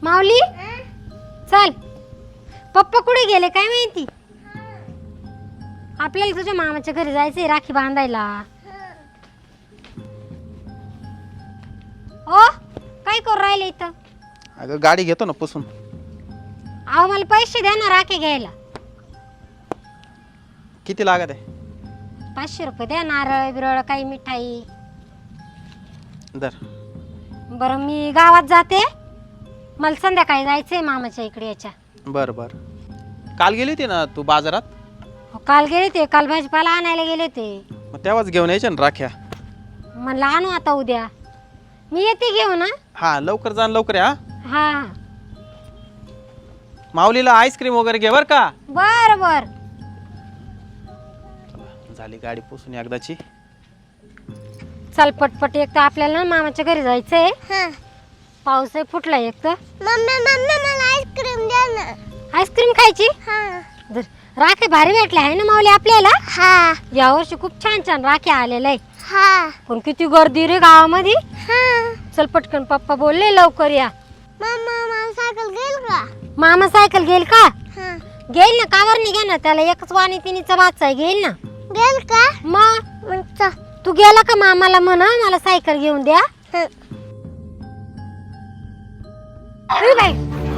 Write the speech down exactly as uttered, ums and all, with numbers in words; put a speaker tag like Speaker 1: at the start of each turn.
Speaker 1: माऊली चल, पप्पा कुठे गेले काय माहिती. आपल्याला तुझ्या मामाच्या घरी जायचंय राखी बांधायला. ओ काय करू राहिले इथं.
Speaker 2: अगं गाडी घेतो ना पुसून.
Speaker 1: अहो मला पैसे द्या ना राखी घ्यायला.
Speaker 2: किती लागत आहे.
Speaker 1: पाचशे रुपये द्या, नारळ बिरळ काही मिठाई.
Speaker 2: दर.
Speaker 1: बरं मी गावात जाते, मला संध्याकाळी जायचंय मामाच्या इकडे याच्या.
Speaker 2: बर बर. काल गेली होती ना तू बाजारात.
Speaker 1: हो, काल गेले ते, काल भाजीपाला आणायला गेले ते.
Speaker 2: मग तेव्हाच घेऊन यायच्या ना राख्या.
Speaker 1: म्हणलं आणू आता उद्या. मी येते घेऊन. ना
Speaker 2: हा लवकर जा लवकर या.
Speaker 1: हा
Speaker 2: माऊलीला आईस्क्रीम वगैरे घे बर का.
Speaker 1: बर बर.
Speaker 2: झाली गाडी पुसून एकदाची.
Speaker 1: चल पटपट, एक तर आपल्याला ना मामाच्या घरी जायचंय. पाऊस आहे फुटला एक तर.
Speaker 3: मम्मी मम्मी मला आईस्क्रीम द्या ना.
Speaker 1: आईस्क्रीम खायची.
Speaker 3: हा
Speaker 1: राखे भारी भेटले आहे ना माऊली आपल्याला.
Speaker 3: हा
Speaker 1: यावर्षी खूप छान छान राखे आलेले आहे.
Speaker 3: हा
Speaker 1: पण किती गर्दी रे गावामध्ये.
Speaker 3: हा
Speaker 1: चल पटकन, पप्पा बोलले लवकर या.
Speaker 3: मम्मा मला सायकल घेईल का.
Speaker 1: मामा सायकल घेईल का.
Speaker 3: हा
Speaker 1: घेईल ना, कावर नाही घे ना, त्याला एकच वाणी तिनीचा वाचा आहे, घेईल ना.
Speaker 3: घेईल का.
Speaker 1: मग
Speaker 3: मग चल.
Speaker 1: तू गेला का मामाला म्हणा मला सायकल घेऊन द्या.
Speaker 3: हं.
Speaker 1: ए बाई